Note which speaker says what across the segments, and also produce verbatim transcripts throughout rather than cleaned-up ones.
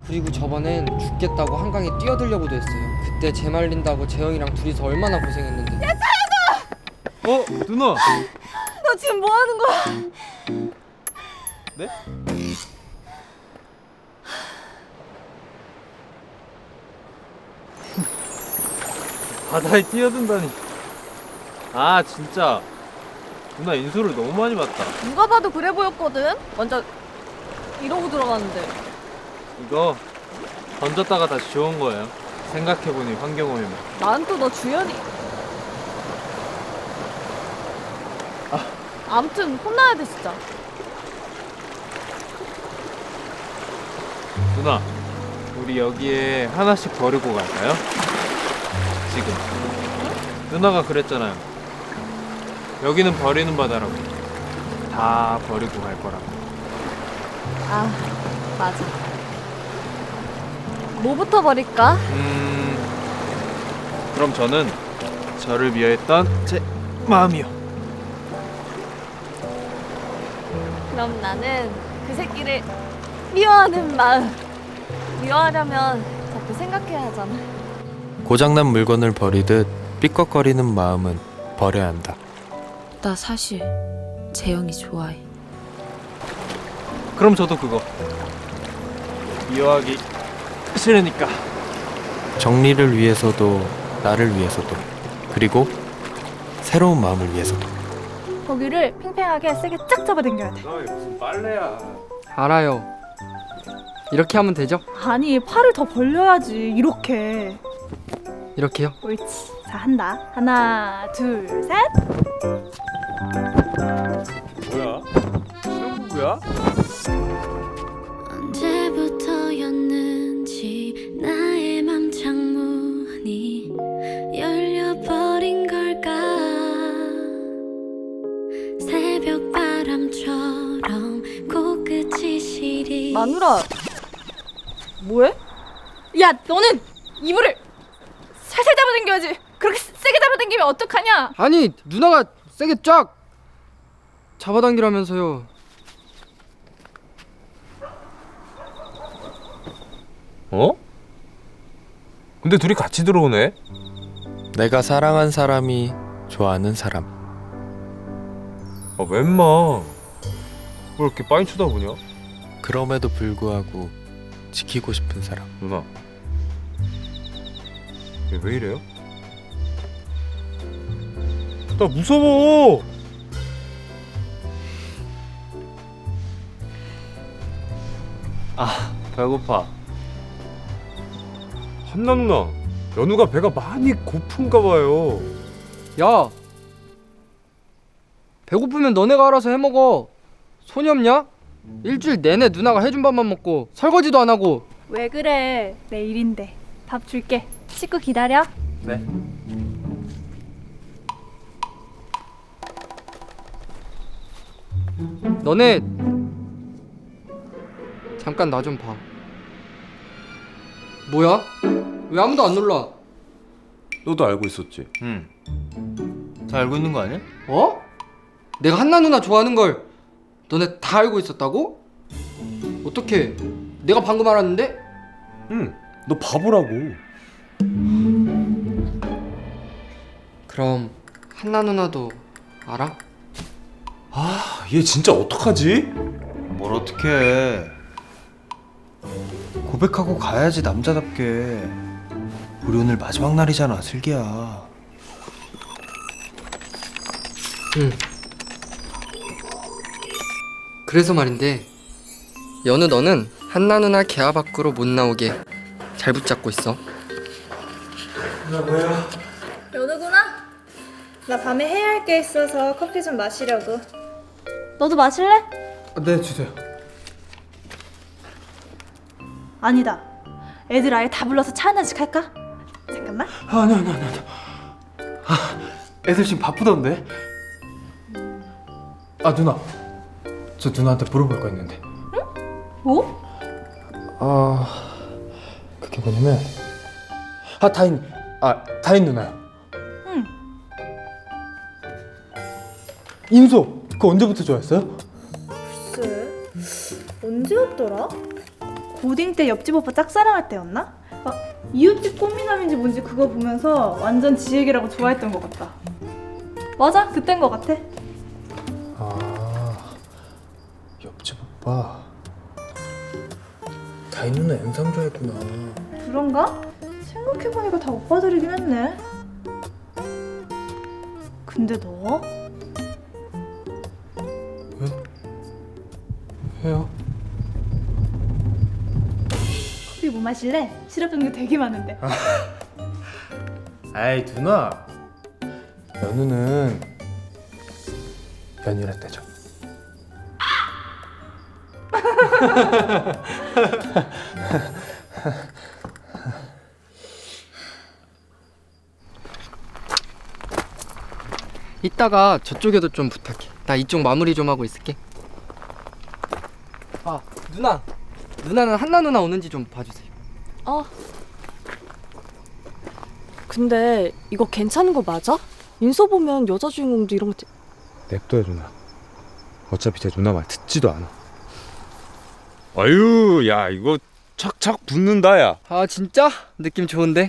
Speaker 1: 그리고 저번엔 죽겠다고 한강에 뛰어들려고도 했어요. 그때 재 말린다고 재영이랑 둘이서 얼마나 고생했는데. 야,
Speaker 2: 어? 누나!
Speaker 3: 너 지금 뭐 하는 거야?
Speaker 2: 네? 바다에 뛰어든다니. 아 진짜 누나 인수를 너무 많이 봤다.
Speaker 3: 누가 봐도 그래 보였거든? 완전 이러고 들어갔는데.
Speaker 2: 이거 던졌다가 다시 주운 거예요. 생각해보니 환경오염.
Speaker 3: 난 또 너 주연이. 아. 아무튼 혼나야 돼 진짜.
Speaker 2: 누나 우리 여기에 하나씩 버리고 갈까요? 지금 누나가 그랬잖아요. 여기는 버리는 바다라고. 다 버리고 갈 거라고.
Speaker 3: 아 맞아. 뭐부터 버릴까?
Speaker 2: 음 그럼 저는 저를 미워했던 제 마음이요.
Speaker 3: 그럼 나는 그 새끼를 미워하는 마음. 미워하려면 자꾸 생각해야 하잖아.
Speaker 4: 고장난 물건을 버리듯 삐걱거리는 마음은 버려야 한다.
Speaker 5: 나 사실 재영이 좋아해.
Speaker 2: 그럼 저도 그거 미워하기 싫으니까.
Speaker 4: 정리를 위해서도 나를 위해서도 그리고 새로운 마음을 위해서도.
Speaker 6: 거기를 팽팽하게 세게 쫙 잡아당겨야 돼.
Speaker 2: 너 무슨 빨래야.
Speaker 1: 알아요. 이렇게 하면 되죠?
Speaker 6: 아니 팔을 더 벌려야지. 이렇게.
Speaker 1: 이렇게요?
Speaker 6: 옳지. 자 한다. 하나 둘 셋.
Speaker 2: 뭐야? 신혼부부야?
Speaker 7: 언제부터였는지 나의 맘 창문이 열려버린 걸까. 새벽 바람처럼 코끝이 시리.
Speaker 3: 마누라 뭐해?
Speaker 6: 야 너는 이불을 살살 잡아당겨야지. 그렇게 세게 잡아당기면 어떡하냐?
Speaker 1: 아니 누나가 세게 쫙 잡아당기라면서요.
Speaker 2: 어? 근데 둘이 같이 들어오네?
Speaker 4: 내가 사랑한 사람이 좋아하는 사람.
Speaker 2: 아 웬마 왜 이렇게 빤히 쳐다보냐?
Speaker 4: 그럼에도 불구하고 지키고 싶은 사람.
Speaker 2: 누나 얘 왜 이래요? 나 무서워. 아 배고파. 한나 누나 연우가 배가 많이 고픈가 봐요.
Speaker 1: 야, 배고프면 너네가 알아서 해먹어. 손이 없냐? 일주일 내내 누나가 해준 밥만 먹고 설거지도 안 하고.
Speaker 6: 왜 그래? 내 일인데. 밥 줄게. 식구 기다려.
Speaker 2: 네.
Speaker 1: 너네 잠깐 나 좀 봐. 뭐야? 왜 아무도 안 놀라?
Speaker 8: 너도 알고 있었지?
Speaker 2: 응. 다 알고 있는 거 아니야?
Speaker 1: 어? 내가 한나 누나 좋아하는 걸 너네 다 알고 있었다고? 어떻게? 내가 방금 알았는데?
Speaker 8: 응, 너 바보라고.
Speaker 1: 그럼 한나 누나도 알아?
Speaker 8: 아, 얘 진짜 어떡하지?
Speaker 9: 뭘 어떻게 해. 고백하고 가야지 남자답게. 우리 오늘 마지막 날이잖아 슬기야.
Speaker 1: 응. 그래서 말인데 연우 너는 한나 누나 개화 밖으로 못 나오게 잘 붙잡고 있어.
Speaker 6: 연우구나? 나 밤에 해야 할 게 있어서 커피 좀 마시려고. 너도 마실래?
Speaker 1: 네, 주세요.
Speaker 6: 아니다. 애들 아예 다 불러서 차 하나씩 할까? 잠깐만.
Speaker 9: 아니 아니 아니 아니. 아, 애들 지금 바쁘던데. 아 누나, 저 누나한테 물어볼 거 있는데.
Speaker 6: 뭐?
Speaker 9: 아 그게 뭐냐면 아 다인 아 다인 누나요.
Speaker 6: 응.
Speaker 9: 인소 그거 언제부터 좋아했어요?
Speaker 6: 글쎄 언제였더라? 고딩 때 옆집 오빠 짝사랑할 때였나? 막 이웃집 꽃미남인지 뭔지 그거 보면서 완전 지 얘기라고 좋아했던 것 같다. 맞아, 그땐 것 같아.
Speaker 4: 아, 옆집 오빠. 다이 누나 영상 좋아했구나.
Speaker 6: 그런가? 생각해보니까 다 오빠들이긴 했네. 근데 너?
Speaker 4: 왜요?
Speaker 6: 커피 뭐 마실래? 시럽 종류 되게 많은데.
Speaker 4: 아이 누나. 연우는 연유라 떼죠.
Speaker 1: 이따가 저쪽에도 좀 부탁해. 나 이쪽 마무리 좀 하고 있을게. 아, 누나. 누나는 한나 누나 오는지 좀 봐주세요.
Speaker 3: 어. 근데 이거 괜찮은 거 맞아? 인서 보면 여자 주인공도 이런 거.
Speaker 2: 냅둬요 누나. 어차피 제 누나 말 듣지도 않아.
Speaker 8: 아유, 야 이거 착착 붙는다 야.
Speaker 1: 아, 진짜? 느낌 좋은데?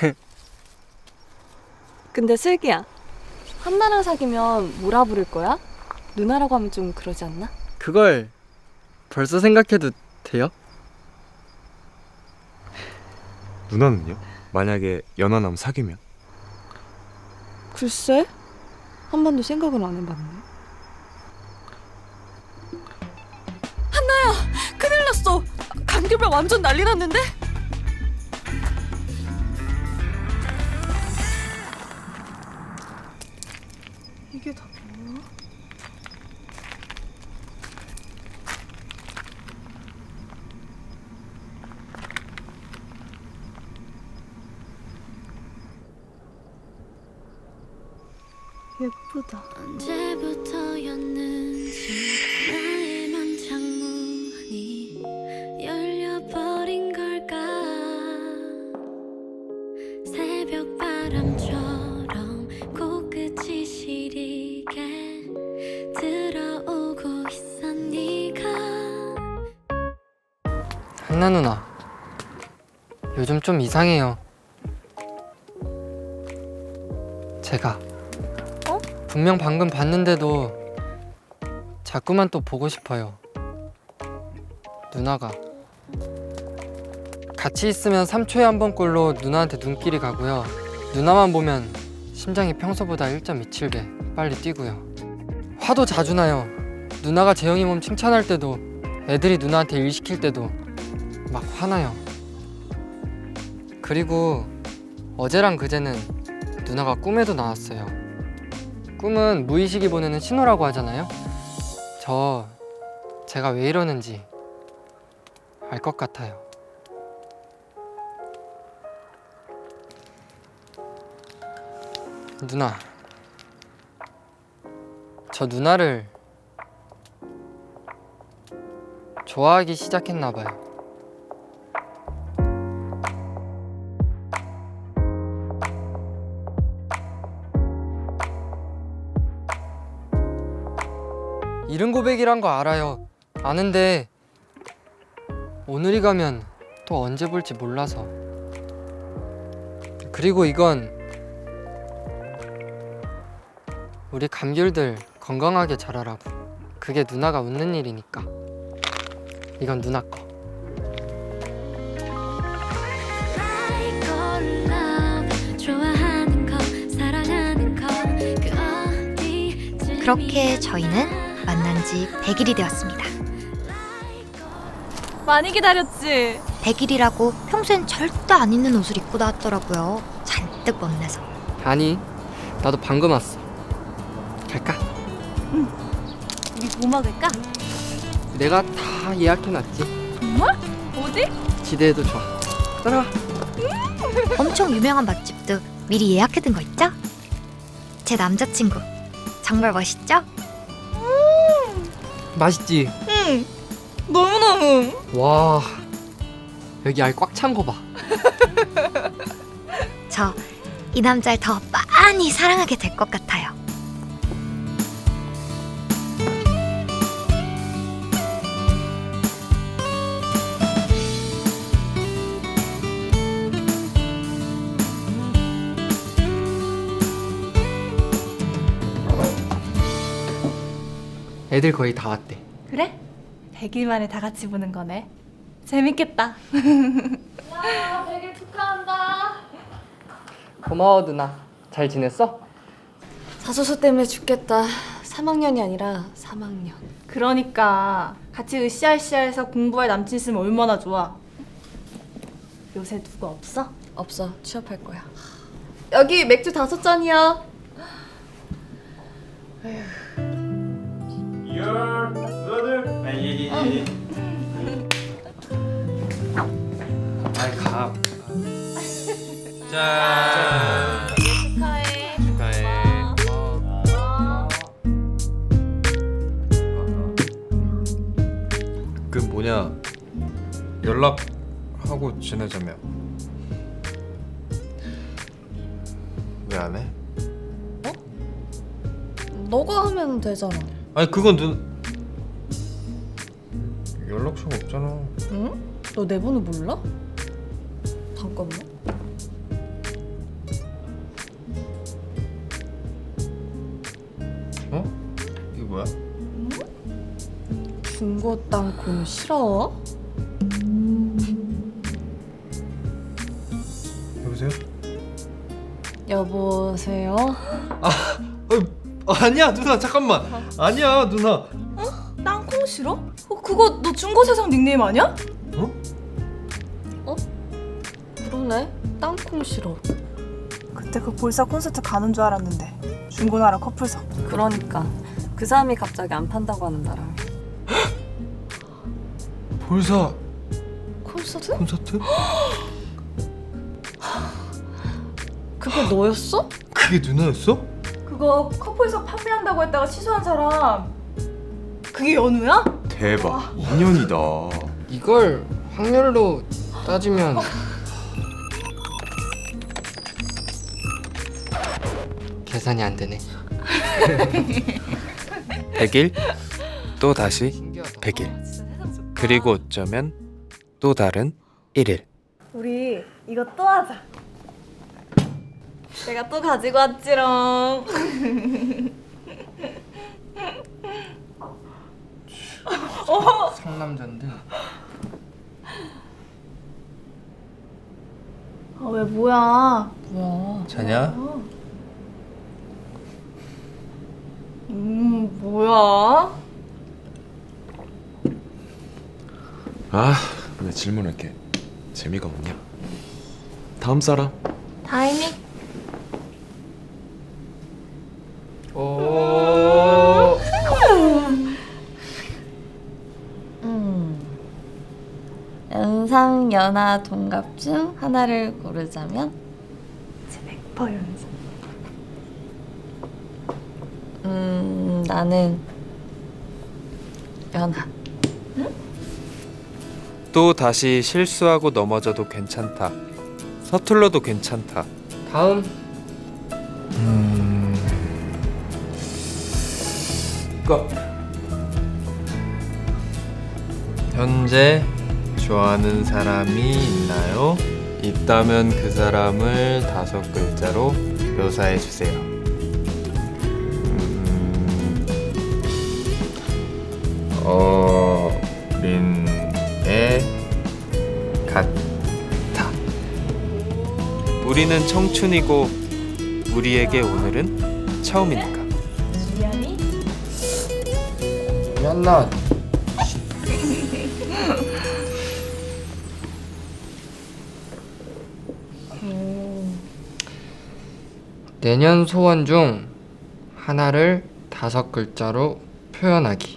Speaker 3: 근데 슬기야, 한나랑 사귀면 뭐라 부를 거야? 누나라고 하면 좀 그러지 않나?
Speaker 1: 그걸 벌써 생각해도 돼요?
Speaker 8: 누나는요? 만약에 연하남 사귀면?
Speaker 3: 글쎄, 한 번도 생각을 안 해봤네. 한나야, 큰일 났어. 감귤병 완전 난리 났는데?
Speaker 6: 이게 다 뭐야? 예쁘다.
Speaker 7: 언제부터였는지 나의 맘 창문이 열려버린 걸까. 새벽 바람처럼 코끝이 시리게 들어오고 있어 네가.
Speaker 1: 한나 누나, 요즘 좀 이상해요. 제가 분명 방금 봤는데도 자꾸만 또 보고 싶어요. 누나가 같이 있으면 삼 초에 한 번꼴로 누나한테 눈길이 가고요. 누나만 보면 심장이 평소보다 일 점 이칠 배 빨리 뛰고요. 화도 자주 나요. 누나가 재영이 몸 칭찬할 때도, 애들이 누나한테 일 시킬 때도 막 화나요. 그리고 어제랑 그제는 누나가 꿈에도 나왔어요. 꿈은 무의식이 보내는 신호라고 하잖아요. 저 제가 왜 이러는지 알 것 같아요. 누나, 저 누나를 좋아하기 시작했나 봐요. 이른 고백이란 거 알아요. 아는데 오늘이 가면 또 언제 볼지 몰라서. 그리고 이건 우리 감귤들 건강하게 자라라고. 그게 누나가 웃는 일이니까. 이건 누나 거.
Speaker 7: Like or love, 좋아하는 거, 사랑하는 거, 그 어디쯤이야.
Speaker 10: 그렇게 저희는 만난 지 백 일이 되었습니다.
Speaker 3: 많이 기다렸지?
Speaker 10: 백 일이라고 평소엔 절대 안 입는 옷을 입고 나왔더라고요. 잔뜩 멋내서.
Speaker 1: 아니, 나도 방금 왔어. 갈까?
Speaker 3: 우리 뭐 먹을까?
Speaker 1: 내가 다 예약해놨지.
Speaker 3: 정말? 어디?
Speaker 1: 기대해도 좋아. 따라와.
Speaker 10: 엄청 유명한 맛집도 미리 예약해둔 거 있죠? 제 남자친구 정말 멋있죠?
Speaker 1: 맛있지?
Speaker 3: 응. 너무너무.
Speaker 1: 와, 여기 알 꽉 찬 거 봐.
Speaker 10: 저 이 남자를 더 많이 사랑하게 될 것 같아요.
Speaker 1: 애들 거의 다 왔대.
Speaker 6: 그래? 백 일 만에 다 같이 보는 거네. 재밌겠다.
Speaker 3: 야, 백 일 축하한다.
Speaker 1: 고마워 누나. 잘 지냈어?
Speaker 3: 자소서 때문에 죽겠다. 삼 학년이 아니라 삼 학년.
Speaker 6: 그러니까 같이 으쌰으쌰해서 공부할 남친 있으면 얼마나 좋아. 요새 누구 없어?
Speaker 3: 없어. 취업할 거야. 여기 맥주 다섯 잔이야.
Speaker 8: 이열 누나들. 예예예.
Speaker 4: 아이 가. 짠.
Speaker 3: 축하해.
Speaker 4: 축하해. 그 뭐냐 연락하고 지내자며. 왜 안 해?
Speaker 3: 너가 하면 되잖아.
Speaker 4: 아니 그건 눈 연락처가 없잖아.
Speaker 3: 응? 너 내 번호 몰라? 잠깐만.
Speaker 4: 어? 이게 뭐야?
Speaker 3: 중고 땅콩 싫어?
Speaker 4: 여보세요?
Speaker 3: 여보세요?
Speaker 4: 어, 아니야 누나 잠깐만. 아니야 누나.
Speaker 6: 땅콩 싫어? 어, 그거 너 중고세상 닉네임 아니야?
Speaker 4: 어?
Speaker 3: 그러네. 땅콩 싫어.
Speaker 6: 그때 그 볼사 콘서트 가는 줄 알았는데 중고나라 커플석.
Speaker 3: 그러니까 그 사람이 갑자기 안 판다고 하는 나랑.
Speaker 4: 볼사
Speaker 3: 콘서트?
Speaker 4: 콘서트?
Speaker 3: 그게 너였어?
Speaker 4: 그게 누나였어?
Speaker 6: 그거 커플석 판매한다고 했다가 취소한 사람 그게 연우야?
Speaker 8: 대박. 인연이다.
Speaker 1: 이걸 확률로 따지면 계산이 안 되네.
Speaker 9: 백 일 또 다시
Speaker 1: 신기하다.
Speaker 9: 백 일 그리고 어쩌면 또 다른 일 일.
Speaker 6: 우리 이거 또 하자.
Speaker 3: 내가 또 가지고 왔지롱.
Speaker 1: 상남자인데.
Speaker 6: 아 왜 뭐야?
Speaker 3: 뭐야?
Speaker 4: 자냐?
Speaker 6: 음 뭐야?
Speaker 8: 아, 왜 질문할게. 재미가 없냐? 다음 사람.
Speaker 3: 다행히.
Speaker 1: 오.
Speaker 3: 음. 연상, 연하, 동갑 중 하나를 고르자면?
Speaker 6: 백 퍼센트 연상.
Speaker 3: 음, 나는 연하.
Speaker 9: 또 다시 실수하고 넘어져도 괜찮다. 서툴러도 괜찮다.
Speaker 1: 다음.
Speaker 4: 음. 그 현재 좋아하는 사람이 있나요? 있다면 그 사람을 다섯 글자로 묘사해 주세요. 음. 어린애 같아.
Speaker 9: 우리는 청춘이고 우리에게 오늘은 처음이니까.
Speaker 6: 미안이?
Speaker 1: 미안나. 내년 소원 중 하나를 다섯 글자로 표현하기.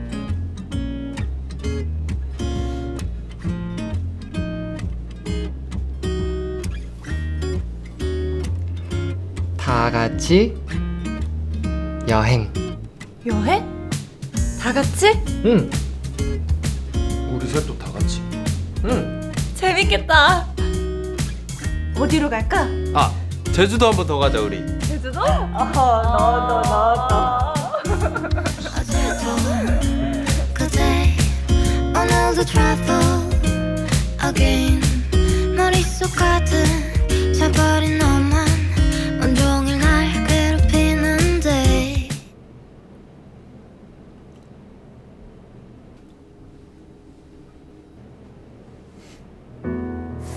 Speaker 1: 다 같이 여행.
Speaker 6: 여행? 다 같이?
Speaker 1: 응.
Speaker 4: 우리 셋도 다 같이.
Speaker 1: 응.
Speaker 6: 재밌겠다. 어디로 갈까?
Speaker 4: 아 제주도 한 번 더 가자 우리.
Speaker 6: 제주도? 어허 너도 너도.
Speaker 7: 그대 오늘도 travel again 머릿속 가득 차버린 너만 온종일 날 괴롭히는데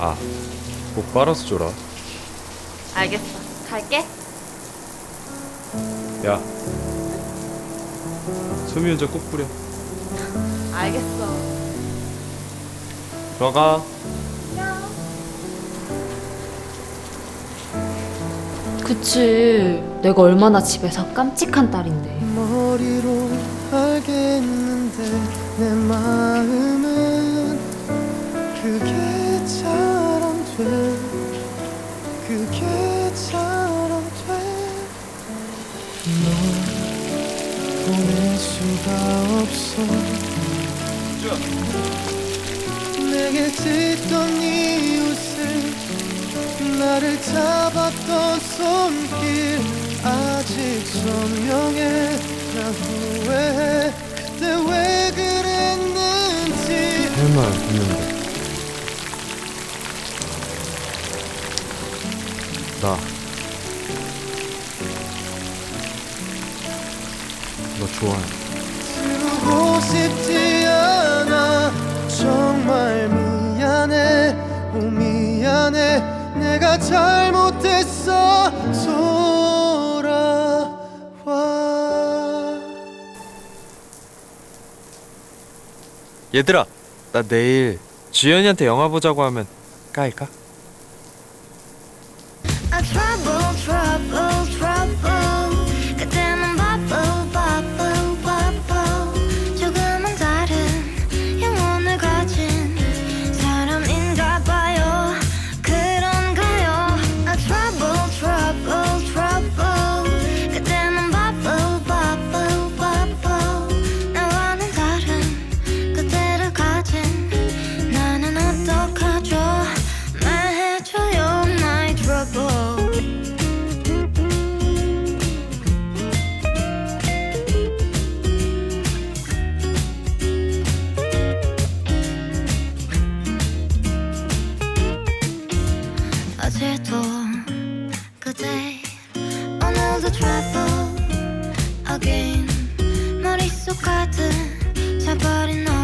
Speaker 2: 아, 꼭 빨아서 줘라.
Speaker 3: 알겠어. 갈게.
Speaker 2: 야, 섬유유자 꼭 뿌려.
Speaker 3: 알겠어.
Speaker 8: 들어가.
Speaker 5: 그치. 내가 얼마나 집에서 깜찍한 딸인데.
Speaker 9: 머리로 알겠는데 내 마음은 그게 잘 안 돼. 그게 잘 안 돼. 널 보낼 수가 없어. 내게 짓던 이웃을 나를 잡았던 손길 아직 선명해. 나 후회해. 그때 왜 그랬는지.
Speaker 2: 할 말 없는데. 나. 너 좋아해.
Speaker 9: 지우고 싶지 않아. 정말 미안해. 오 미안해. 내가 잘못했어. 돌아와.
Speaker 8: 얘들아, 나 내일 주연이한테 영화 보자고 하면 까일까?
Speaker 7: A trouble, trouble, trouble. 그때는 bubble, bubble, bubble. 조금은 다른 영혼을 가진 사람인가 봐요. 그런가요? A trouble, trouble, trouble. 그때는 bubble, bubble, bubble. 나와는 다른 그때를 가진 나는 어떡하죠? 말해줘요, my trouble. 어제도 그대 오늘도 trouble again. 머릿속 가득 차버린 너